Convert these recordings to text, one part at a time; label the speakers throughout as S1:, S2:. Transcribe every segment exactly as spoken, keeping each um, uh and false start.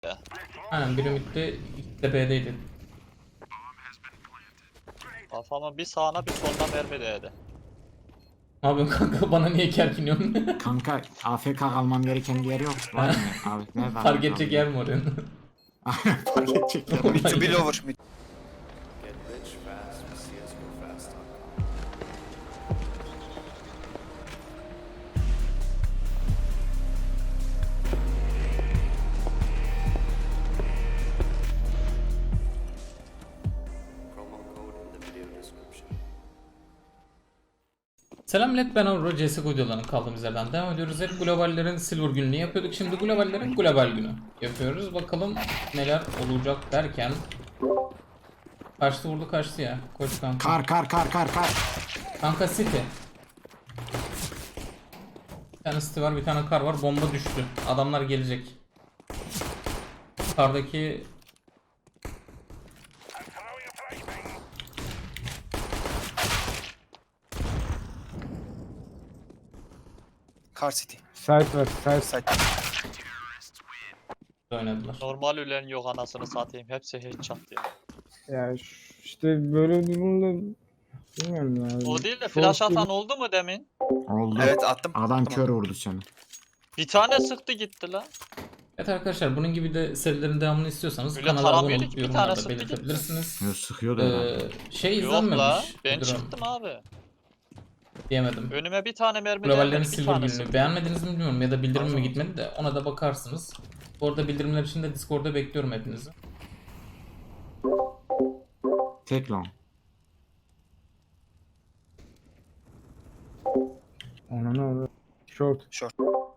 S1: ya.
S2: Aynen biri midde, ikisi de B'deydi.
S1: Kafama bir sağına bir soluna mermi değdi.
S2: Ne yapıyorsun kanka, bana niye kerkiniyorsun?
S3: Kanka A F K almam gereken bir yer yok. Var mı? Abi nerede?
S2: Fark edecek yer mi oraya?
S3: Fark edecek yer.
S4: Mid to be lower. Mid.
S5: Get rich fast with C S G O fast dot com. Promo code in the video description.
S2: Selam millet, ben Avro. C S G O videolarının kaldığımız yerden devam ediyoruz. Hep globallerin silver gününü yapıyorduk. Şimdi globallerin global günü yapıyoruz. Bakalım neler olacak derken. Kaçtı vurdu kaçtı ya. Koş kanka.
S3: Kar kar kar kar kar.
S2: Kanka City. Bir tane City var, bir tane kar var. Bomba düştü. Adamlar gelecek. Kardaki
S4: Car City.
S6: Site var, site.
S4: Side.
S2: oynadılar.
S1: Normal ölen yok anasını satayım. Hepsi headshot ya.
S6: Ya ş- işte böyle durumda bilmiyorum ya.
S1: O değil de
S6: Short
S1: flash
S6: gibi-
S1: atan oldu mu demin?
S3: Oldu.
S4: Evet attım.
S3: Adam kör vurdu seni.
S1: Bir tane sıktı gitti lan.
S2: Evet arkadaşlar, bunun gibi de serilerin devamını istiyorsanız
S1: Öyle
S2: kanala abone
S1: taramıyordu
S2: olup
S1: ki, bir
S2: yorumlarda
S1: tane sıktı gitti.
S2: belirtebilirsiniz.
S3: Yo, sıkıyordu herhalde.
S2: Ee, şey
S1: Yok la.
S2: izlenmemiş.
S1: Ben
S2: bir durum.
S1: çıktım abi.
S2: Diyemedim.
S1: Önüme bir tane mermi
S2: Globallerin
S1: değmedi. Bir
S2: silver
S1: tane
S2: gününü
S1: sıktı.
S2: beğenmediniz mi bilmiyorum, ya da bildirim mi
S1: Anladım.
S2: gitmedi de ona da bakarsınız. Bu arada bildirimler için de Discord'da bekliyorum hepinizi.
S3: Tek long.
S6: Ona ne olur? Short.
S4: Short.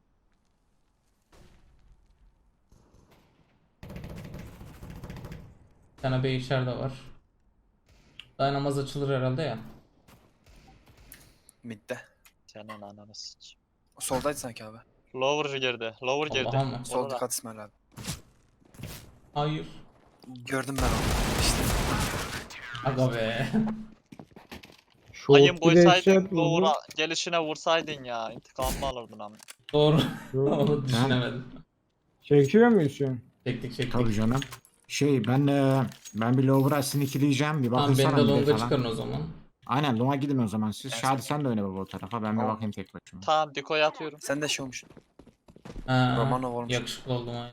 S2: Bir tane B içeride var. Daha namaz açılır herhalde ya.
S4: Mid'de.
S1: Senin ananı sıç.
S4: Soldaydı sanki abi.
S1: Lower girdi. Lower girdi.
S2: Allah'ım mı?
S4: Sol
S1: Orada.
S4: dikkat İsmail abi.
S2: Hayır.
S4: Gördüm ben onu. İşte.
S2: Aga be.
S1: Ayın
S6: Short bir
S1: boysaydın
S6: headshot vurdu.
S1: Lower'a gelişine vursaydın ya. İntikamımı alırdın ama.
S2: Doğru.
S6: Short.
S2: Onu düşünemedim.
S6: Çekiyor muyuz şu an?
S2: Çektik çektik.
S3: Tabii canım. Şey ben e, ben bir lower'a sinirleyeceğim. Bir
S2: Tamam,
S3: bakın
S2: beni
S3: sana
S2: de
S3: bir de
S2: longa
S3: falan.
S2: çıkarın o zaman.
S3: Aynen longa gidin o zaman siz.
S4: Evet.
S3: Şadi sen de oyna baba o tarafa. Ben bir
S4: Tamam.
S3: bakayım tek başıma.
S1: Tamam Diko'ya atıyorum.
S4: Sen de şey olmuş.
S2: Ha,
S4: Romanov olmuş.
S2: yakışıklı oldum ay.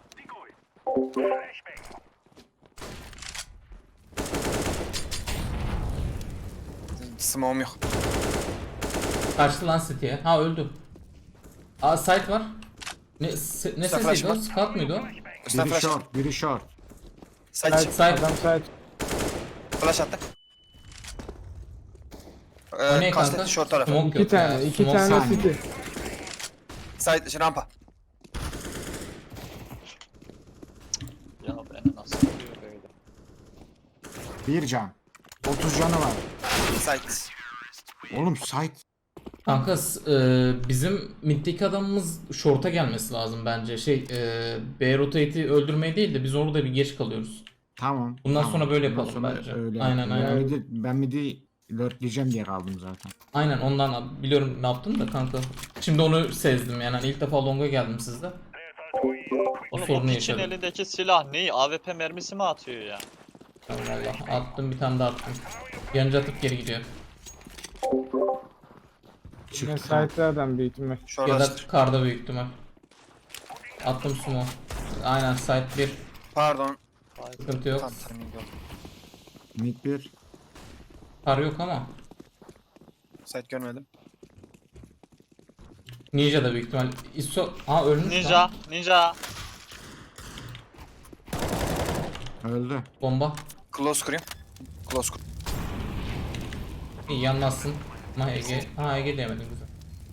S4: Smoke'um yok.
S2: Kaçtı lan City'ye. Ha öldü. Aa site var. Ne, se, ne
S4: Usta
S2: sesiydi o?
S4: flash var.
S2: Scout muydu o?
S4: Üstten
S3: Biri
S4: flash.
S3: short, biri short.
S4: Side
S6: Site,
S4: çık.
S2: Site.
S6: adam site.
S4: Flash attı.
S2: O ne
S4: Ee,
S2: kanka?
S4: Kastetli short tarafı.
S2: Smoke
S6: İki
S2: yok ya.
S6: tane, iki
S2: Smoke
S6: tane
S3: saniye.
S6: city.
S4: Side şey, rampa.
S1: Ya beni nasıl vuruyor böyle?
S3: Bir can. otuz canı var.
S4: Side.
S3: Oğlum site.
S2: Kanka s- e, bizim middeki adamımız short'a gelmesi lazım bence. Şey e, B rotate'i öldürmeyi değil de biz orada bir geç kalıyoruz.
S3: Tamam.
S2: Bundan
S3: tamam.
S2: sonra böyle
S3: Bundan
S2: yapalım
S3: sonra
S2: bence.
S3: öyle
S2: Aynen,
S3: yapalım.
S2: aynen.
S3: Ben midi, ben midi lurkleyeceğim diye kaldım zaten.
S2: Aynen, ondan biliyorum ne yaptın da kanka. Şimdi onu sezdim yani. Hani ilk defa longa geldim sizde.
S1: Oğlum o
S2: sorunu
S1: piçin
S2: yaşadım.
S1: elindeki silah ne? A W P mermisi mi atıyor ya?
S2: Allah, attım bir tane daha attım. Yanıcı atıp geri gidiyor.
S6: Yine
S3: Çıktı. kanka.
S6: site'de adam büyük ihtimal.
S4: Short
S2: Ya da
S4: açtı.
S2: karda büyük ihtimal. Attım sumo. Aynen site bir.
S4: Pardon.
S2: Sıkıntı yok.
S4: Tam timing oldu.
S3: Mid bir.
S2: Kar yok ama.
S4: Side görmedim.
S2: Ninja da büyük ihtimal. ISO... Aa ölmüş
S1: Ninja,
S2: lan.
S1: ninja.
S3: Öldü.
S2: Bomba.
S4: Close kurayım. Close kur.
S2: İyi yanmazsın. Ama Ege... Ha Ege diyemedim güzel.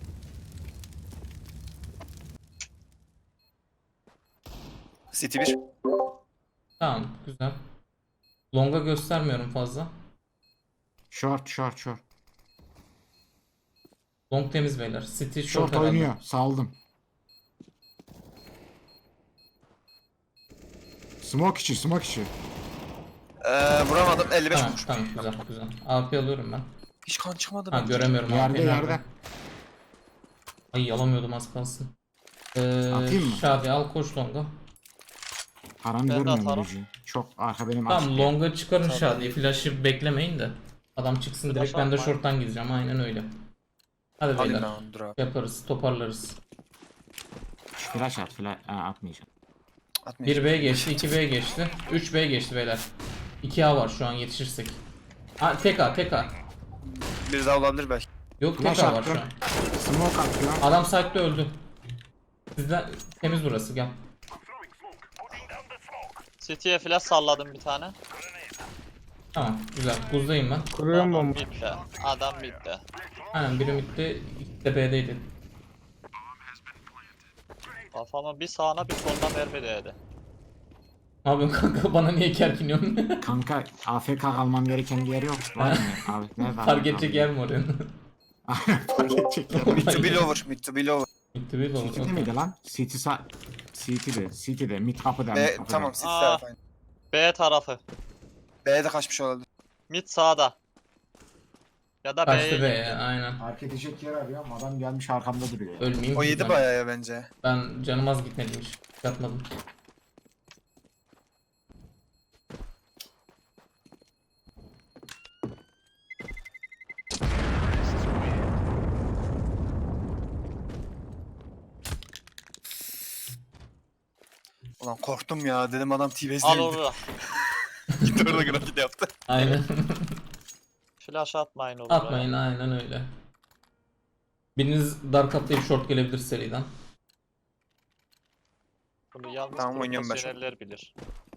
S4: City bir.
S2: Tamam güzel. Longa göstermiyorum fazla.
S3: Short short short.
S2: Long temiz beyler. City short,
S3: Short
S2: herhalde.
S3: oynuyor. Saldım. Smoke içi, smoke içi.
S4: Ee, vuramadım. elli beş
S2: Tamam
S4: vurmuş.
S2: tamam güzel güzel. A P alıyorum ben.
S4: Hiç kan çıkmadı.
S2: Ha
S4: bence.
S2: göremiyorum
S3: Yerde
S2: A P'yi nerede.
S3: yerde.
S2: Ay alamıyordum az kalsın. Ee,
S3: Atayım mı?
S2: Şadi al koş longa.
S3: Paranı
S1: Ben de
S3: görmüyorum
S1: atarım.
S3: Luigi. Çok arka benim
S2: Tamam
S3: açık.
S2: longa çıkarın
S1: Tabii.
S2: Şadi'yi. Flash'ı beklemeyin de. Adam çıksın direkt,
S1: Flash
S2: ben de
S1: atmayın.
S2: short'tan gideceğim. Aynen öyle. Hadi
S4: Alayım
S2: beyler.
S4: ben onu, dur abi.
S2: Yaparız, toparlarız.
S3: Flash at, flash ha, atmayacağım.
S4: Atmayacağım.
S2: bir B geçti, iki B geçti. üç B geçti beyler. iki A var şu an yetişirsek. Ha, tek A, tek A.
S4: Bir daha olabilir belki.
S2: Yok,
S3: Flash
S2: tek A var şu
S3: attım.
S2: an.
S3: Smoke atıyor.
S2: Adam site'de öldü. Sizden temiz burası, gel.
S1: City'ye flash salladım bir tane.
S2: Tamam, güzel. Buzdayım ben.
S6: Kuruyorum
S1: Adam
S6: bomba.
S1: bitti. Adam bitti.
S2: Aynen, biri midde, ikisi de B'deydi.
S1: Kafama bir sağına bir soluna mermi değdi.
S2: Ne yapıyorsun kanka? Bana niye kerkiniyorsun?
S3: Kanka A F K kalmam gereken bir yer yok. Var mı? Abi, nerede?
S2: Fark edecek yer mi oraya?
S3: Fark edecek yer.
S4: Mid to be lower. Mid to be lower.
S2: Bitti bir olur.
S3: City'de miydi lan? City sa... City'de. City'de. Mid kapıda.
S4: B,
S3: mid kapıda.
S4: tamam City
S1: Aa.
S4: tarafı aynı.
S1: B tarafı.
S4: B'ye de kaçmış olabilir.
S1: Mid sağda. Ya da B'ye
S2: Kaçtı be
S1: gitti.
S2: ya, aynen.
S3: Fark edecek yer arıyorum. Adam gelmiş arkamda duruyor.
S2: Ölmeyeyim
S4: O
S2: ki
S4: yedi
S2: ben.
S4: bayağı ya bence.
S2: Ben canım az gitmedim hiç. Yatmadım.
S4: Ulan korktum ya, dedim adam
S1: Al
S4: T-Base'de
S1: orada.
S4: gitti orada grafit yaptı.
S2: Aynen.
S1: Flash atmayın olur.
S2: Atmayın, aynen öyle. Biriniz dark atlayıp short gelebilir seriden.
S1: Bunu yalnız
S4: Tamam, oynuyorum ben şu an.
S1: profesyoneller bilir.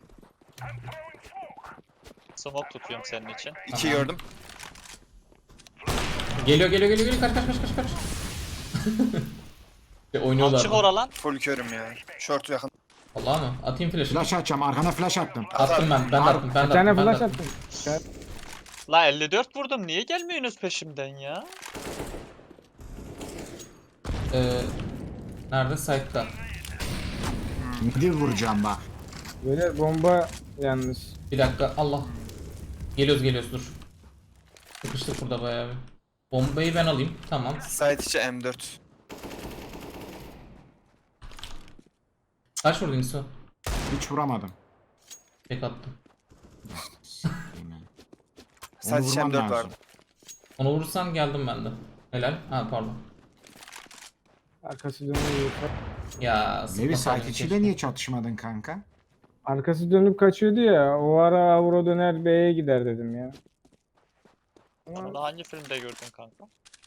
S1: Smoke tutuyorum senin için.
S4: İki
S2: Tamam.
S4: gördüm.
S2: Geliyor geliyor geliyor geliyor, kaç kaç kaç kaç kaç. Şey, oynuyorlar.
S1: Açık ora lan.
S4: Full körüm ya. Short'u yakın.
S2: Allah mı? Atayım flash'ı.
S3: Flash atacağım. Arkana flash attım.
S2: Attım ben, ben de attım, ben
S6: Bir
S2: de
S6: tane
S2: attım, ben de
S6: flash
S2: attım.
S6: attım.
S1: La elli dört vurdum. Niye gelmiyorsunuz peşimden ya?
S2: Ee, nerede? Site'da.
S3: Midi vuracağım bak.
S6: Böyle bomba yalnız.
S2: Bir dakika, Allah. Geliyoruz geliyoruz, dur. Sıkıştık burada bayağı bir. Bombayı ben alayım, tamam.
S4: Site içi M dört.
S2: Kaç vurdun İso?
S3: Hiç vuramadım.
S2: Tek attım.
S4: Site
S3: Onu
S4: içi
S3: vurmam
S4: M dört
S3: lazım.
S4: vardı.
S2: Onu vurursan geldim ben de. Helal. Ha pardon.
S6: Arkası dönüyor.
S2: Ya
S3: Levi
S2: sıkma
S3: site
S2: keşke.
S3: içiyle niye çatışmadın kanka?
S6: Arkası dönüp kaçıyordu ya. O ara Avro döner B'ye gider dedim ya.
S1: Sen
S6: Ama
S1: onu hangi filmde gördün kanka?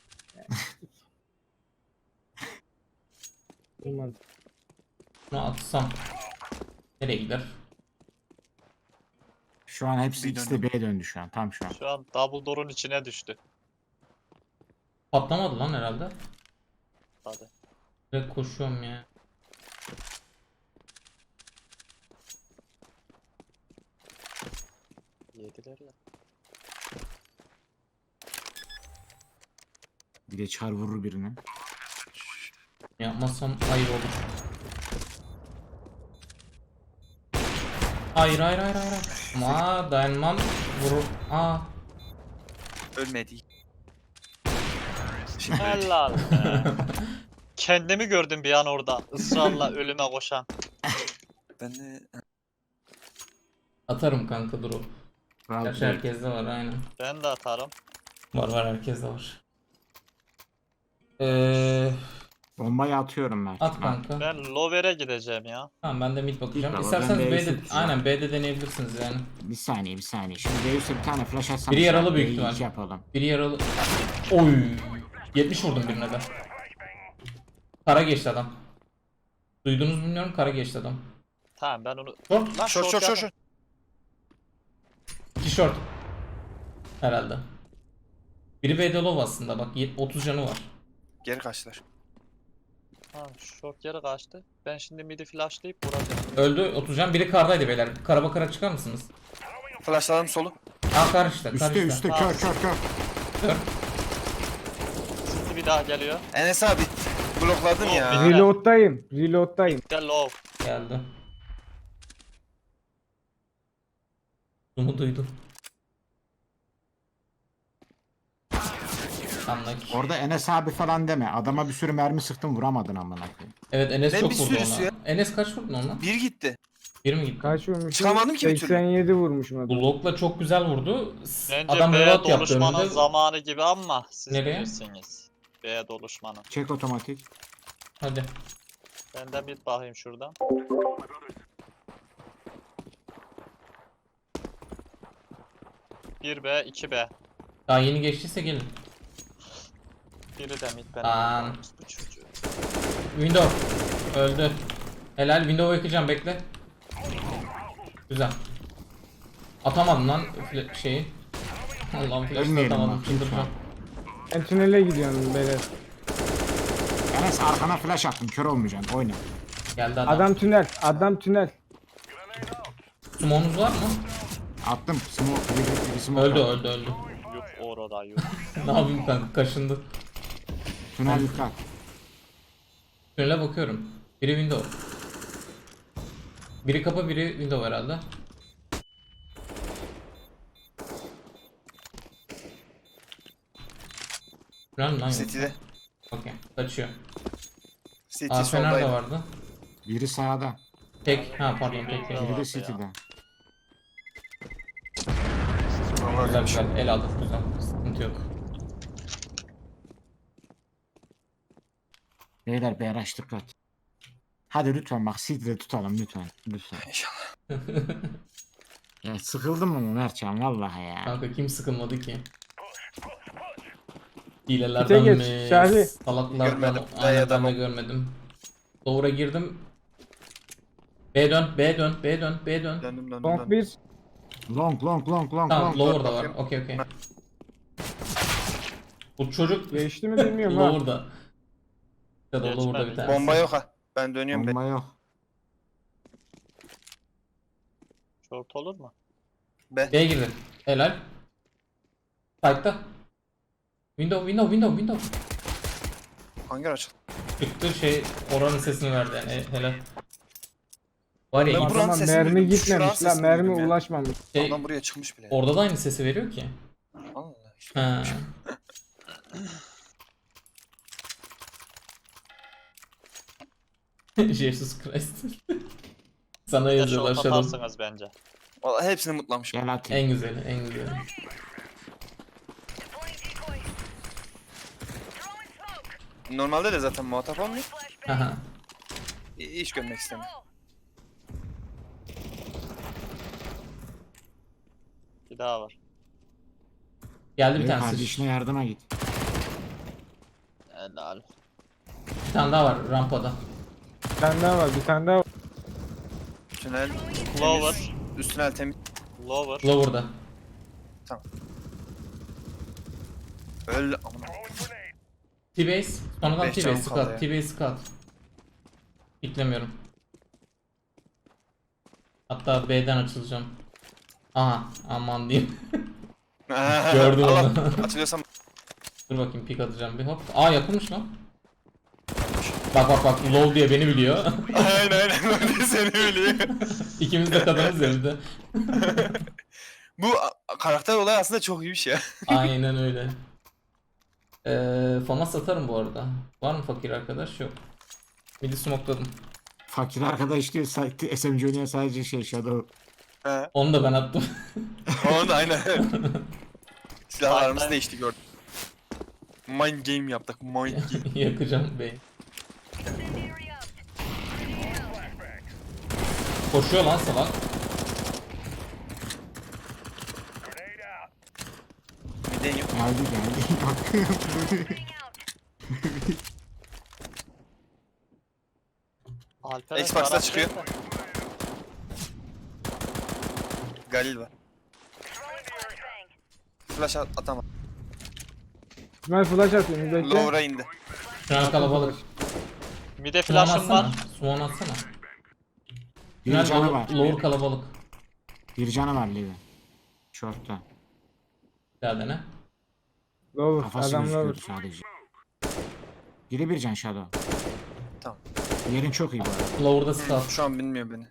S6: olmadı.
S2: Bunu atsam nereye gider?
S3: Şu an hepsi
S4: Bir
S3: ikisi de B'ye döndü şu an. Tam şu an.
S1: Şu an double door'un içine düştü.
S2: Patlamadı lan herhalde.
S1: Hadi.
S2: Direkt koşuyorum ya.
S1: Yediler ya.
S3: Bir de çar vurur birini.
S2: Yapmazsam hayır olur. Hayır hayır hayır hayır. Ama dayanmam vurur. Aa.
S4: Ölmedi.
S1: Helal be. Kendimi gördüm bir an orada. Israrla ölüme koşan.
S4: Ben de...
S2: Atarım kanka dur o.
S3: Rahat
S2: Gerçi
S3: ol.
S2: herkeste var aynen.
S1: Ben de atarım.
S2: Var var, herkeste var. Eee
S3: Bombayı atıyorum ben.
S2: at kanka.
S1: Ben lower'e gideceğim ya.
S2: Tamam, ben de mid bakacağım.
S3: Git baba,
S2: İsterseniz
S3: ben B'yi
S2: B'de
S3: seçeceğim.
S2: aynen B'de deneyebilirsiniz yani.
S3: Bir saniye bir saniye. Şimdi Deus'e bir tane flash atsam.
S2: Biri yaralı büyük ihtimal.
S3: ihtimal. yapalım.
S2: Biri yaralı. Oy. yetmiş vurdum birine de. Kara geçti adam. Duydunuz mu bilmiyorum, kara geçti adam.
S1: Tamam ben onu...
S2: Short.
S1: Lan
S4: Short short short short.
S2: İki short. Herhalde. Biri B'de low aslında bak, yet- otuz canı var.
S4: Geri kaçtılar.
S1: Tamam short yere kaçtı. Ben şimdi midi flashlayıp vuracağım.
S2: Öldü otuz can. Biri kardaydı beyler. Kara bakarak çıkar mısınız?
S4: Flashladım solu.
S2: Aa kar işte. Kar
S3: Üste
S2: işte.
S3: üste
S1: Aa.
S3: kör kör kör.
S2: Kör.
S1: Şimdi bir daha geliyor.
S4: Enes abi blokladın ya.
S1: Bilmiyorum.
S6: Reload'dayım. Reload'dayım.
S1: De low.
S2: Geldi. Bunu duydum. Anladık.
S3: Orada Enes abi falan deme. Adama bir sürü mermi sıktım vuramadın amına koyayım.
S2: Evet Enes
S4: Ne
S2: çok
S4: bir
S2: vurdu
S4: sürüsü
S2: ona.
S4: ya?
S2: Enes kaç vurdun ona?
S4: Bir gitti.
S2: Bir mi gitti?
S6: Kaç vurmuşum?
S4: Çıkamadım ki bir türlü.
S6: seksen yedi vurmuşum adam.
S2: Bu Lok'la çok güzel vurdu. S-
S1: Bence
S2: Adam
S1: B'ye
S2: reload yaptı
S1: doluşmanın
S2: önünde.
S1: zamanı gibi ama siz
S2: Nereye?
S1: bilirsiniz. B'ye doluşmanın.
S3: Çek otomatik.
S2: Hadi.
S1: Ben de bir bakayım şuradan. Bir B, iki B.
S2: Daha yeni geçtiyse gelin.
S1: Biri de mid
S2: Aa.
S1: benim. Bu çocuğu.
S2: Window. Öldü. Helal. Window'u yakacağım bekle. Güzel. Atamadım lan fla- şeyi. Allah'ım flash'ı
S3: Ölmeyelim
S2: atamadım.
S3: bak,
S2: Çıldıracağım.
S6: Ben tünele gidiyorum beyler.
S3: Enes arkana flash attım. Kör olmayacaksın. Oyna.
S2: Geldi adam.
S6: Adam tünel. Adam tünel.
S2: Sumonuz var mı?
S3: Attım. Smoke. Biri, biri smoke
S2: Öldü
S3: attı.
S2: öldü öldü.
S1: Yok orada yok.
S2: Ne yapayım kanka kaşındı.
S3: Tünel dikkat.
S2: Tünele bakıyorum. Biri window. Biri kapı biri window herhalde. Tünel mi lan yoksa?
S4: City'de.
S2: Okey. Kaçıyor.
S4: City
S2: Aa Fener de
S4: soldaydı.
S2: vardı.
S3: Biri sağda.
S2: Tek. Ha pardon tek tek.
S3: Biri
S1: vardı
S3: de
S1: ya.
S3: City'de.
S2: Güzel güzel. El aldık güzel. Sıkıntı yok.
S3: Beyler bir araç dikkat. Hadi lütfen bak City'de tutalım lütfen. Lütfen.
S4: İnşallah.
S3: Ya sıkıldım mı Mertcan vallahi ya.
S2: Kanka kim sıkılmadı ki?
S6: Bite
S2: Hilelerden
S6: geç,
S2: mi?
S6: Şahi.
S2: Salaklardan
S4: Görmedim.
S2: aynen
S4: Ya
S2: ben
S4: da
S2: de
S4: bu-
S2: görmedim. Doğru'a girdim. B dön, B dön, B dön, B dön.
S4: Döndüm döndüm
S6: Long
S4: döndüm.
S6: bir.
S3: Long long long long
S2: Tamam,
S3: long.
S2: lower'da var.
S4: bakayım.
S2: Okey okey. Bu çocuk
S6: Geçti mi bilmiyorum ha.
S2: lower'da. Ya da
S1: Geçmedi.
S2: lower'da bir tanesi.
S4: Bomba yok ha. Ben dönüyorum.
S3: Bomba yok.
S1: Short olur mu?
S4: B.
S2: B'ye girdi. Helal. Side'da. Window, window, window, window.
S4: Hangi açıldı?
S2: Çıktı şey oranın sesini verdi yani e, helal. Var ya
S4: Ben
S2: ilk-
S4: buranın
S6: Adama
S4: sesini
S6: mermi
S4: duydum,
S6: gitmemiş
S4: şuranın
S6: lan.
S4: sesini
S6: Mermi
S4: duydum ya.
S6: ulaşmamış.
S2: şey,
S4: Adam buraya çıkmış bile.
S2: orada da aynı sesi veriyor ki.
S4: Allah işte.
S2: Ha. Jesus Christ. Sana
S1: Bir de
S2: yazıyorlar
S1: short
S2: şu an.
S1: atarsınız bence.
S4: Vallahi hepsini mutlamışım.
S3: Gel atayım.
S2: En güzeli, en güzeli.
S4: Normalde de zaten muhatap olmuyor.
S2: Aha.
S4: İ- Hiç görmek istemiyorum.
S1: Bir daha var.
S2: Geldi bir
S3: Ey,
S2: tanesi.
S3: kardeşine yardıma git.
S1: Helal.
S2: Bir tane daha var rampada.
S6: Bir tane daha var. Bir tane daha var.
S4: Tünel
S1: Lower.
S4: temiz. Üst tünel temiz.
S1: Lower.
S2: Lower'da.
S4: Öl amına.
S2: T-base. Sonradan
S4: Beş
S2: T-base
S4: canım kaldı
S2: scout.
S4: ya.
S2: T-base scout. Beklemiyorum. Hatta B'den açılacağım. Aha aman diyeyim. Gördüm
S4: Allah,
S2: onu.
S4: Açılıyorsam
S2: Dur bakayım pik atacağım bir hop. Aa yakınmış lan. Bak bak bak low diye beni biliyor.
S4: aynen aynen öyle seni biliyor.
S2: İkimiz de kadınız ya bir de.
S4: Bu a- karakter olayı aslında çok iyi bir şey.
S2: Aynen öyle. Ee, famas atarım bu arada. Var mı fakir arkadaş? Yok. Midi smokladım.
S3: Fakir arkadaş diyor sa- S M G oynayan sadece şey Shadow.
S4: He.
S2: Onu da ben attım.
S4: Onu da aynen. Silahlarımız
S1: Aynen.
S4: değişti gördüm. Mind game yaptık. Mind game.
S2: Yakacağım bey. Koşuyor lan salak.
S4: Bir deniyor.
S3: Geldi geldi. Bak.
S1: Alperen
S4: Xbox'ta
S1: taraf
S4: çıkıyor.
S1: değil mi?
S4: Galil var. Flash at atamam.
S6: İsmail flash atıyor. Bir bekle.
S4: Lower'a indi.
S2: Şu an kalabalık.
S1: Mid'e
S2: Swan
S1: flash'ım
S2: atsana.
S1: var.
S2: Swan atsana.
S3: Bir
S2: Tünel
S3: canı
S2: lower,
S3: var.
S2: lower kalabalık.
S3: Bir canı var Levi. Short'ta.
S2: Bir daha dene.
S6: Lower.
S3: Kafası
S6: Adam
S3: gözüküyordu
S6: lower.
S3: sadece. Biri bir can Shadow.
S4: Tamam.
S3: Yerin çok iyi bu arada.
S2: Lower'da scout.
S4: Şu an bilmiyor beni.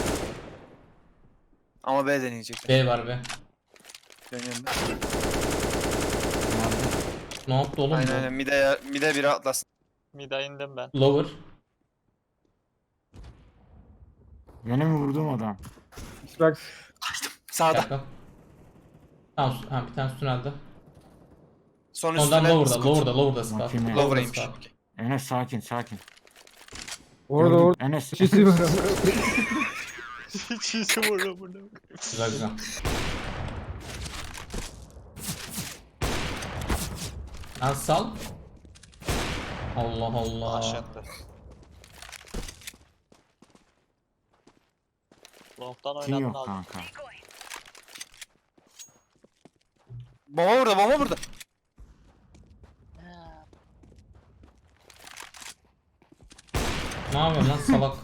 S4: Ama B deneyecek.
S2: B var be.
S4: Dönüyorum ben.
S3: Nerede?
S2: Ne yaptı oğlum
S4: Aynen
S2: bu?
S4: aynen. Mide, mide biri atlasın.
S1: Mid'e indim ben.
S2: Lower.
S3: Benim vurduğum adam.
S6: Xbox.
S2: Bir
S4: Sağda.
S2: dakika. Tamam, ha, bir tane tünelde.
S4: Son
S2: Ondan
S4: üstüne.
S2: lower'da, lower'da, lower'da Scar.
S3: Bakayım ya.
S2: Lower'da
S4: Lower'aymış.
S2: Scar.
S4: Okey.
S3: Enes sakin sakin.
S6: Orada
S3: Gördüm.
S6: orada.
S3: Enes.
S6: Çiçi var ama.
S1: Çiğsi burada burada.
S2: Güzel güzel. Lan sal. Allah Allah.
S1: Aşağıda. Long'dan
S3: Kim
S1: oynadın
S3: yok
S1: abi.
S3: kanka.
S4: Bomba burada, bomba burada.
S2: Ne yapıyorsun lan salak?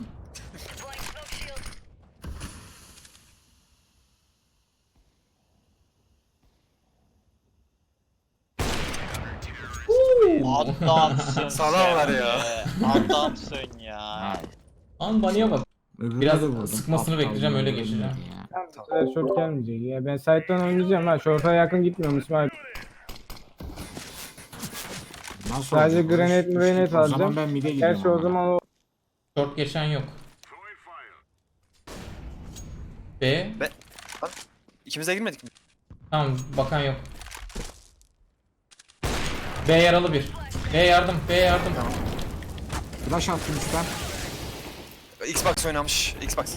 S1: Adamsın
S4: Salarlar
S1: sen
S4: ya.
S1: be. Adamsın ya.
S3: Ha,
S2: Lan baniye bak.
S3: öbürüne
S2: Biraz
S3: de vurdum.
S2: sıkmasını
S3: Aptal
S2: bekleyeceğim, öyle
S3: ölmedi
S2: geçeceğim.
S3: ya.
S6: Tamam, bu sefer short gelmeyecek ya. Ben side'dan oynayacağım ha. Short'a yakın gitmiyorum İsmail.
S3: Nasıl
S6: Sadece
S3: olacak?
S6: granate
S3: Üç- üç-
S6: mrenate
S3: O zaman
S6: alacağım.
S3: ben mid'e gidiyorum.
S6: Gerçi o
S3: ama.
S6: zaman o
S2: Short geçen yok. B.
S4: İkimiz de girmedik mi?
S2: Tamam, bakan yok. B yaralı bir. B yardım, B yardım.
S3: Flash attım üstten.
S4: Xbox oynamış. Xbox.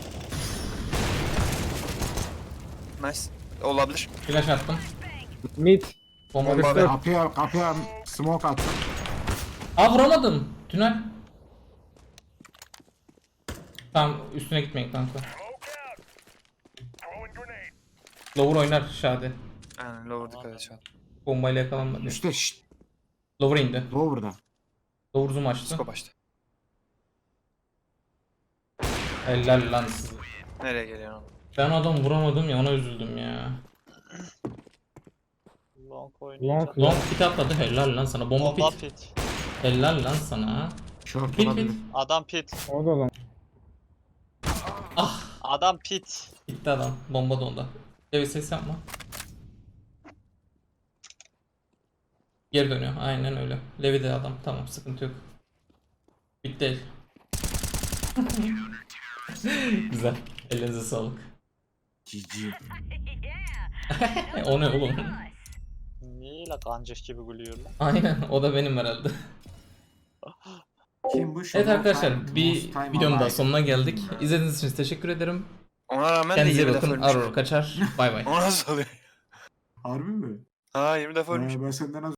S4: Nice. Olabilir.
S2: Flash attım.
S6: mid.
S2: Bomba
S4: Bomba
S2: düştü.
S4: ve-
S3: Kapıya kapıya smoke attım.
S2: Aa, vuramadım. Tünel. Tamam, üstüne gitmeyin kanka. Lower oynar Şadi.
S4: Aynen lower dikkat et şu an.
S2: Bombayla yakalanmadı.
S3: Üstte şşt.
S2: Lower indi.
S3: Lower'da.
S2: Lower zoom açtı.
S4: Scope açtı.
S2: Helal lan size.
S4: Nereye geliyor oğlum?
S2: Ben adam vuramadım ya, ona üzüldüm ya.
S1: Long oynayacak.
S6: Long.
S2: Long pit atladı, helal lan sana. Bomba
S1: Bomba
S2: pit.
S1: pit.
S2: Helal lan sana.
S3: Short
S2: Pit
S3: olabilir.
S2: pit.
S1: Adam pit.
S6: O da lan.
S2: Ah,
S1: Adam pit.
S2: gitti adam. Bomba da onda. Evet, ses yapma. Geri dönüyor. Aynen öyle. Levi de adam. Tamam, sıkıntı yok. Bit değil. Güzel. Elinize sağlık.
S3: G G.
S2: O ne oğlum?
S1: Niye la kancık gibi gülüyor lan?
S2: Aynen, o da benim herhalde.
S3: Kim bu?
S2: Evet
S3: Shovel
S2: arkadaşlar,
S3: Time,
S2: bir
S3: Most Time
S2: videonun daha
S3: Alive.
S2: sonuna geldik. İzlediğiniz için teşekkür ederim.
S4: Ona rağmen de
S2: Kendinize iyi
S4: yirmi defa
S2: bakın.
S4: ölmüş.
S2: Aror kaçar. Bay bay.
S4: O nasıl oluyor?
S3: Harbi mi?
S4: Ha yirmi defa ölmüş.
S3: Ee, ben senden az